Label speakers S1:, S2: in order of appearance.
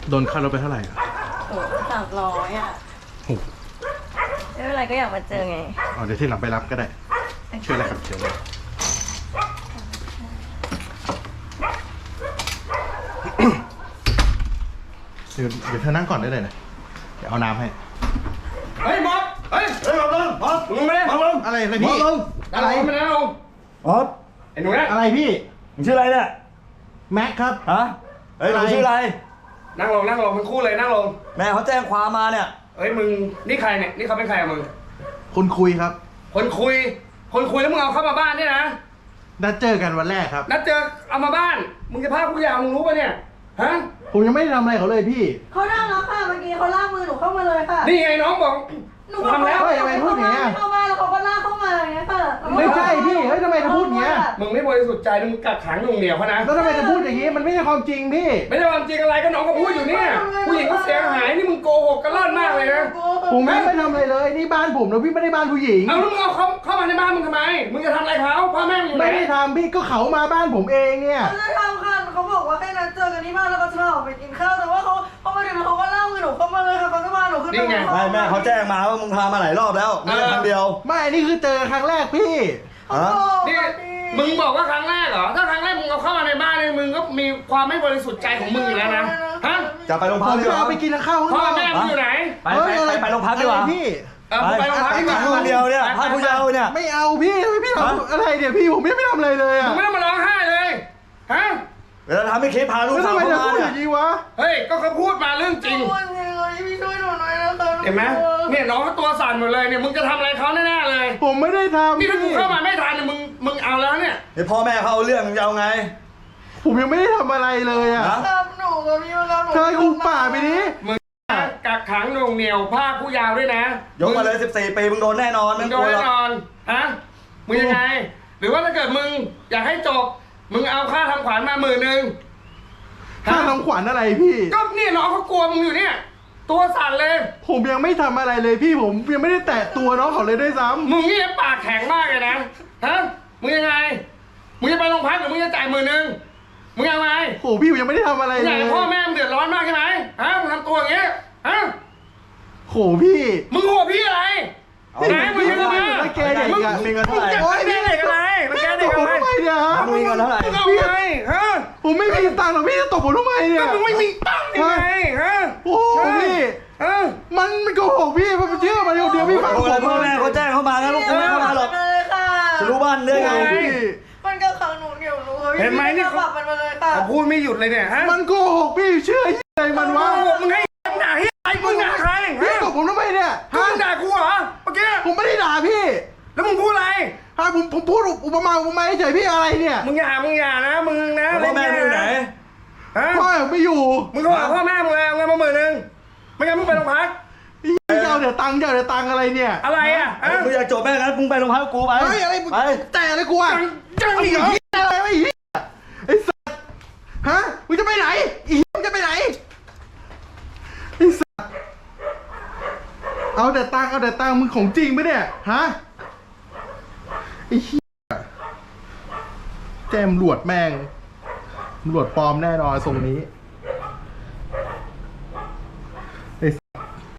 S1: โดนค่ารถไปเท่าไหร่อ่ะ
S2: โอ้300อ่ะ
S1: โอ้
S2: ไม่เป็นไรก็อยากมาเจอไง
S1: เดี๋ยวที่หลังไปรับก็ได้ช่วยอะไรครับเชิญเลยเดี๋ยวเธอนั่งก่อนได้เลยนะเดี๋ยวเอาน้ำให้
S3: เฮ้ยมอสเฮ้ยมอสมึงไม่ได้มอส
S1: อะไรพี่
S3: อะไรไม่ได้ลง
S4: มอส
S3: ไอ้หนูเนี่ย
S1: อะไรพี่
S4: มึงชื่ออะไรเนี่ย
S1: แม็กครับ
S4: ฮะเฮ้ยหนูชื่ออะไร
S3: นั่งลงมันคู่เลยนั่งลง
S4: แม่เขาแจ้งความมาเนี่ย
S3: เฮ้ยมึงนี่ใครเนี่ยนี่เขาเป็นใครอะมึง
S1: คนคุยครับ
S3: คนคุยแล้วมึงเอาเข้ามาบ้านเนี่ยนะ
S1: นัดเจอกันวันแรกครับ
S3: นัดเจอเอามาบ้านมึงจะพาผู้ยาวมึงรู้ป่ะเนี่ยฮะ
S1: ผมยังไม่ได้ทำอะไรเขาเลยพี่
S2: เขานั่งแล้วค่ะเมื่อกี้เขาลากมือหนูเข้ามาเลยค่ะ
S3: นี่ไงน้องบอก
S2: หนูทำแล้ว
S1: ทำไมพูดอย่างเงี้ย
S2: เข้ามาแล้วเขาก็ลากเข้ามาอย่างเงี้ยค่ะ
S1: ไม่ใช่พี่เฮ้ยทำไมจะพูดอย่างเงี้ย
S3: มึงไม่บริสุทธิ์ใจมึงกักขังหนุ่งเหนียวเขานะ
S1: แล้วทำไมจะพูดอย่างงี้มันไม่ใช่ความจริงพี่
S3: ไม่ใช่ความจริงอะไรก็น้องก็พูดอยู่เนี่ยผู้หญิงก็เสียหายนี่มึงโกหกกันล่อนมากเลยนะ
S1: ผมไม่ทำอะไรเลยนี่บ้านผมนะพี่ไม่ได้บ้านผู้หญิง
S3: เอาแล้วมึงเอาเขาเข้ามาในบ้านมึงทำไมมึงจะทำอะไรเขาพ่อแม่มึงอยู่ไหน
S1: ไม่ได้ทำพี่ก็เขามาบ้านผมเองเนี่ย
S2: เขาจะทำค่ะเขาบอกว่าให้นัดเจอกันที่บ้านแล้วก็จะออกไปกินข้าวแต่ว่าเขามาถึงแล้วเขาก็ลากมือหนูเข้ามาเลยค่ะเขาก็พาหนูขึ้นไป
S4: ไม่แม่เขาแจ้งมาว่ามึงพามาหลายรอบแล้วไม่ใช่ครั้งเดียว
S1: ไม่นี่คือเจอครั้งแรกพี่
S3: นี่มึงบอกว่าครั้งแรกเหรอถ้าครั้งแรกมึงเอาเข้ามาในบ้านเลยมึงก็มีความไม่บริสุทธิ์ใจของมึงอยู่แล้วนะฮะ
S4: จะไปโรงพักดีกว่า
S1: ไปกินข้าว
S3: พ่อแม่มึงอยู่ไหน
S4: ไปโรงพักดีกว่า
S1: พี่
S3: ไปโรงพักดีกว่า
S4: คนเดียวเนี่ยพาผู้ยาวเนี่ย
S1: ไม่เอาพี่พี่ทำอะไรเนี่ยพี่ผมไม่ทำอะไรเลยอ่ะ
S3: มึงไม่ต้องมาร้องไห้เลยฮะ
S4: เวลาทำให้เคสพาลูกสาวเข้ามาเนี่ย
S3: เฮ้ยก็เขาพูดมาเรื่องจริง
S2: พี่ช่วยหนูหน่อยนะคะ
S3: เห็นไหมเนี่ยน้องก็ตัวสั่นหมดเลยเนี่ยมึงจะทำอะไรเขาแน่ๆเลย
S1: ผมไม่ได้ทำ
S3: นี่ถ้ากูเข้ามาไม่ทันเนี่ยมึงเอาแล้วเนี่ย
S4: เดี๋ยวพ่อแม่เขาเอาเรื่องมึงจะเอาไง
S1: ผมยังไม่ได้ทำอะไรเลยอ่ะ
S2: ทำหนูกับพี่มาแล้วหนู
S1: เธอคุมป่าไปดิ
S3: มึงกักขังหน่วงเหนียวภาคผู้ยาวด้วยนะ
S4: ยกมาเลย14 ปีมึงโดนแน่นอน
S3: มึงโดนแน่นอนฮะมึงยังไงหรือว่าถ้าเกิดมึงอยากให้จบมึงเอาค่าทำขวัญมา10,000
S1: ค่าทำขวัญอะไรพี่
S3: ก็เนี่ยน้องเขากลัวมึงอยู่เนี่ยตัวสั่นเลย
S1: ผมยังไม่ทำอะไรเลยพี่ผมยังไม่ได้แตะตัวน้องเขาเลยด้วยซ้ำ
S3: มึงนี่ปากแข็งมากเลยนะฮะมึงยังไงมึงจะไปโรงพักหรือมึงจะจ่าย10,000มึงยังไง
S1: โอ้พี่ยังไม่ได้ทำอะไรเลย
S3: พ่อแม่มึงเดือดร้อนมากใช่ไหมฮะมึงทำตัวอย่างเงี้ยฮะ
S1: โหพี่
S3: มึงโหพี่อะไรไหนมึงยังไง
S1: แล้วแกเด็กอะ
S4: มีเงินเท่าไหร่
S3: โอ้ยนี่เด็กอะไรมันแกเด็กอะไร
S1: เนี่ยฮะ
S4: มีเงินเท่าไหร่
S3: มึงเอาไงฮะ
S1: ผมไม่มีตังค์หรอกพี่จะตบผมทำไมเนี่ย
S3: มึงไม่มีตังค์ยังไงฮะ
S1: โอ้พี่มันโกหกพี่มันเชื่อมาเดี๋ยวพี่ฟังผม
S4: พ่อแม่เขาแจ้งเข้ามาแล้วลูกกูไม่เข้ามาหรอกจะรู้บ้านเรื่องไง
S2: มันก็ขังหนูเดี่ยวรู้
S3: เห็นไหมนี่
S2: เขามันมาเลยค่ะ
S3: พูดไม่หยุดเลยเนี่ยฮะ
S1: มันโกหกพี่เชื่ออะไรมันวะ
S3: มึงให้ด่าให้ใครมึงด่าใคร
S1: พี่ตบผมทำไมเนี่ย
S3: มึงด่ากูเหรอเมื่อกี้
S1: ผมไม่ได้ด่าพี่
S3: แล้วมึงพูดอะไร
S1: ผมพูดอุปมาเฉยพี่อะไรเนี่ย
S3: มึงอย่านะมึงนะ
S4: พ่อแม่มึงอยู่ไหน
S1: พ่อไม่อยู่
S3: มึงโทรหาพ่อแม่มึงเลยเอาเงินมา10,000ไม่งั้นมึงไปโรงพัก
S1: เจ้าเดี๋ยวตังค์อะไรเนี่ย
S3: อะไรอ่ะ
S4: มึงอยากจบแม่งั้นมึงไปโรงพักกูไป
S1: อะไรไปแต่อะไรกูอ่ะ
S3: จังอีกเหรอ
S1: อะไรไอ้สัตว์ฮะมึงจะไปไหนมึงจะไปไหนไอ้สัตว์เอาแต่ตังค์มึงของจริงไหมเนี่ยฮะไอ้เหี้ยแจมหลวดแม่งหลวดปลอมแน่นอนทรงนี้